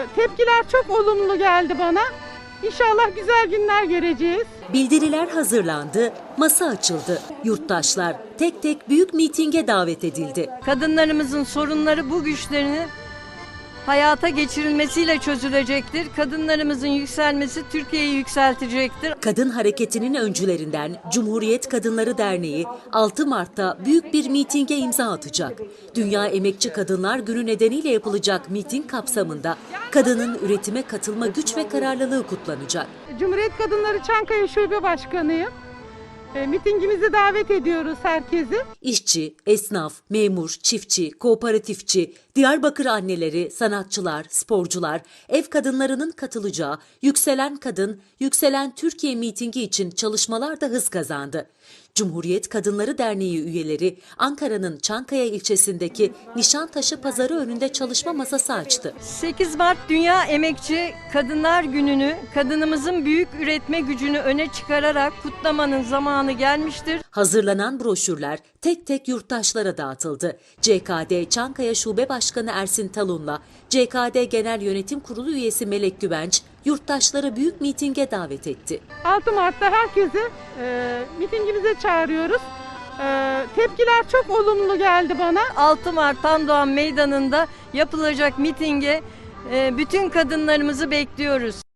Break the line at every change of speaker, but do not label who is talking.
Tepkiler çok olumlu geldi bana. İnşallah güzel günler göreceğiz.
Bildiriler hazırlandı, masa açıldı. Yurttaşlar tek tek büyük mitinge davet edildi.
Kadınlarımızın sorunları bu güçlerini hayata geçirilmesiyle çözülecektir. Kadınlarımızın yükselmesi Türkiye'yi yükseltecektir.
Kadın hareketinin öncülerinden Cumhuriyet Kadınları Derneği 6 Mart'ta büyük bir mitinge imza atacak. Dünya Emekçi Kadınlar Günü nedeniyle yapılacak miting kapsamında kadının üretime katılma güç ve kararlılığı kutlanacak.
Cumhuriyet Kadınları Çankaya Şube Başkanıyım. Mitingimize davet ediyoruz herkesi.
İşçi, esnaf, memur, çiftçi, kooperatifçi, Diyarbakır anneleri, sanatçılar, sporcular, ev kadınlarının katılacağı Yükselen Kadın, Yükselen Türkiye mitingi için çalışmalar da hız kazandı. Cumhuriyet Kadınları Derneği üyeleri Ankara'nın Çankaya ilçesindeki Nişantaşı Pazarı önünde çalışma masası açtı.
8 Mart Dünya Emekçi Kadınlar Günü'nü kadınımızın büyük üretme gücünü öne çıkararak kutlamanın zamanı gelmiştir.
Hazırlanan broşürler tek tek yurttaşlara dağıtıldı. CKD Çankaya Şube Başkanı Ersin Talun'la CKD Genel Yönetim Kurulu üyesi Melek Güvenç yurttaşları büyük mitinge davet etti.
6 Mart'ta herkesi mitingimize çağırıyoruz. Tepkiler çok olumlu geldi bana.
6 Mart Tandoğan Meydanı'nda yapılacak mitinge bütün kadınlarımızı bekliyoruz.